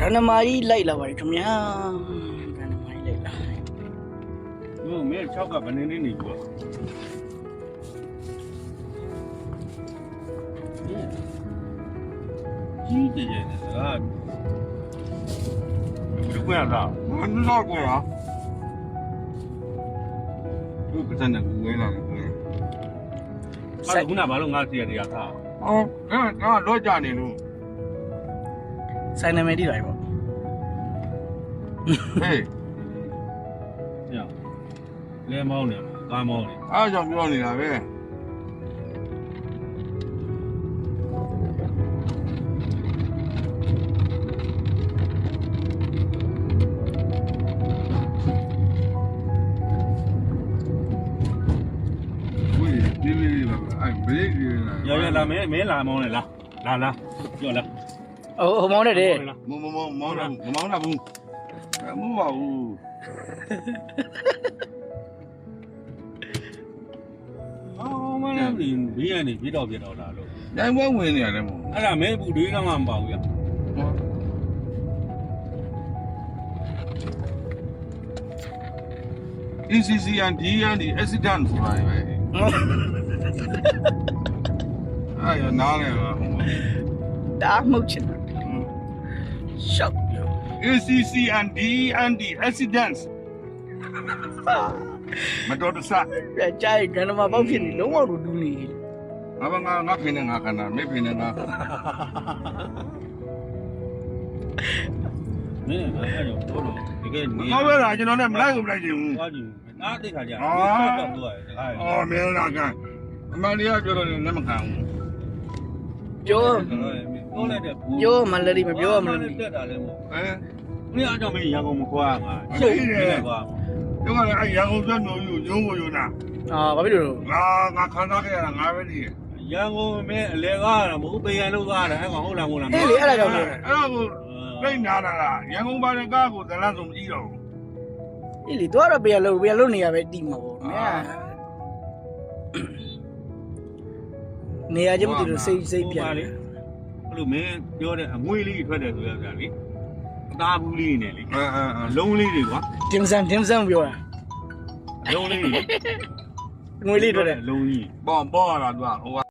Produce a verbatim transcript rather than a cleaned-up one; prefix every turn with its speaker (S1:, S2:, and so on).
S1: ဏမာကြီးလိုက်လာပါတယ်ခင်ဗျာရဏမာကြီးလိုက်လာ
S2: မင်း၆ကဘယ်နေနေနေကွာကြီးတယ်ရဲ့ဒါလူကွာလားမင်းတော့ကွာသူကတည်းကငွေလာတယ်ကွာအဲ့ခုနဘာလို့ငါစီရတရားထားအော်အဲ့ဒါတော့ကြနေလို့
S1: ဆိုင်နာမည်တိလိုက်ပေါ့ဟေး
S2: ညလဲမောင်းနေကားမောင်းနေ
S3: အားကြောင့်ပြောနေတာပဲဝေးဒီလေးပါအဲ့ဘရိတ်လေးလား
S2: ရရလာမင်းမင်းလာမောင်းနေလားလာလာကြောက်လာ
S1: ဟိုဟိုမောင်းနေတယ်
S3: မမမမောင်းတာမမောင်းတာဘူးမဟုတ်ပါဘူး
S2: အော်မင်းဘေးကနေပြေးတော့ပြေးတော့လာလို့
S3: တိုင်းပွဲဝင်နေရတယ်မို့
S2: အဲ့ဒါမင်းဘူးတွေးတော့မှမပေါ့ဘူးရ
S3: E C C and D and the accident ဆိုတာပဲအဲ့ရနားလေပါ
S1: ဒါမှုတ်ချင်တာရှောက်
S3: A C C and D and the accidents မတော်တဆ
S1: ပြကြိုက်ရဏမာပေါက်ဖြစ်နေလုံးဝတူတူနေ
S3: ငါဘာငါငါဖိနေငါခဏမေဖိနေငါ
S2: မင်းအဲ့ဒါတော့တော့တကယ်နေ
S3: ငါပဲလားကျွန်တော်နဲ့မလိုက်ဘူးမလိုက်ချင်ဘူး
S2: သွားကြည့်နားသိခါကြတော့တော့တကား
S3: အော်မင်းလားကအမလီယာပြောတော့လည်းမခံဘူး
S1: ပြော
S2: ပြောလိုက်တဲ့ဘူး
S1: ပြောမလဲမပြောမလဲ
S2: တက်တာလည်းမဟုတ်
S3: ဟမ်
S2: မင်းအားကြောင့်မင်းရန်ကုန်မခွာငါ
S3: ရှိတယ်
S2: ကွာ
S3: တို့ကလည်းအဲ့ရန်ကုန်ဆက်မျိုးယူရုံးကိုယူနာ
S1: အာဘာဖြစ်လို့
S3: ငါငါခံစားခဲ့ရတာငါပဲနေ
S2: ရန်ကုန်မင်းအလဲကားတာမဟုတ်ပေရန်လို့ကားတာအဲ့ကောင်ဟုတ်လားမဟုတ်လား
S1: အေးလေအဲ့ဒါကြောင့်လေ
S3: အဲ့ဒါကိုပြိတ်နာတာလားရန်ကုန်ပါတဲ့ကားကိုဇလန်းဆုံးမကြည့်တော့ဘူး
S1: အေးလေတော့တော့ပြန်လို့ပြန်လို့နေရပဲတီးမှာပေါ့မြာနေရာချင်းမတူလို့စိတ်စိတ်ပြန်
S2: လေအဲ့လိုမင်းပြောတဲ့အငွေလေးထွက်တယ်ဆိုရကြလေအသားဘူးလေးနဲ့လေ
S3: အဲအဲအဲ
S2: လုံးလေးတွေကွာ
S1: တင်စံတင်စံပြောတာ
S2: လုံးလေး
S1: ငွေလေးတွေ့တယ်
S2: လုံးကြီး
S3: ပေါ့ပေါ့လာသူကဟို